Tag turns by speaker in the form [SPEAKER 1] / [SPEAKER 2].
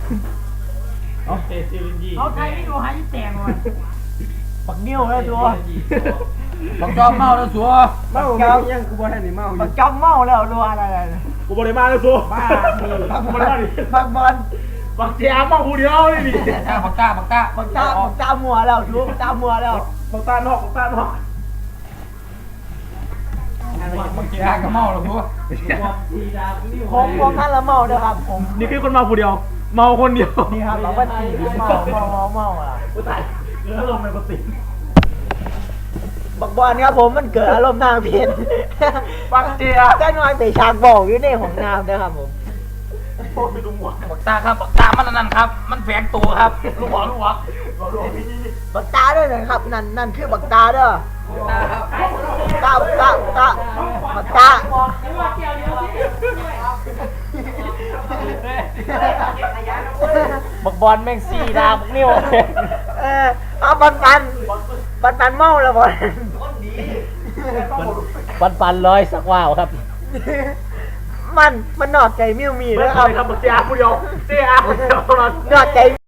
[SPEAKER 1] เขาไทยไม่ดูหายแตงว่ะ
[SPEAKER 2] ปักนิ้วแล้วตัว
[SPEAKER 3] บักจอมเมาแล้วสัว
[SPEAKER 2] เมายังกูบอกให้นี่เมาปักจอมเมาแล้วรัวอะไร
[SPEAKER 4] กูบริมาแล้วสัว
[SPEAKER 2] บ้า
[SPEAKER 4] กูบริมาดิ
[SPEAKER 2] ปักบอล
[SPEAKER 4] บักเจ้าเมาผู้เดียวเลยดิ
[SPEAKER 3] บักตา
[SPEAKER 2] ปักตามัวแล้วชูปักตามัวแล้ว
[SPEAKER 4] บักตานอกบักตานอก
[SPEAKER 3] บักเจ้าก็เมาแล้วสัว
[SPEAKER 2] ผมท่านละเมาเด้อครับผม
[SPEAKER 4] นี่คือคนเมาผู้เดียว เมาคนเดียว
[SPEAKER 2] นี่ครับเราวันที่เมาอ่ะ
[SPEAKER 4] กูตายเกิดอารมณ์ในปฏิ
[SPEAKER 2] บักบอลครับผมมันเกิดอารมณ์ทางเพศ
[SPEAKER 4] บักเจ้า
[SPEAKER 2] ได้นอนแต่ฉากบอกอยู่ในของน้ำนะครับผม
[SPEAKER 4] โคตรไปดูหมวก
[SPEAKER 3] บักตาครับบักตามันนั่นครับ มันแฝงตัวครับลูกหัว
[SPEAKER 2] บักตาด้วยนะครับนั่นคือบักตาเด้อ
[SPEAKER 3] ตาครับ
[SPEAKER 2] ตาบักตาบักบอลแม่งซี่ดาบักนิ้วเอาปันเมาแล้วบอลปันร้อยสักว่าวครับ มันนอกใจมิวมี
[SPEAKER 4] ไม่
[SPEAKER 2] นะ
[SPEAKER 4] เค
[SPEAKER 2] ครับ
[SPEAKER 4] ยทำบักเจ้าผู้เดียวเจ้าผู้เดียวน
[SPEAKER 2] อกใจ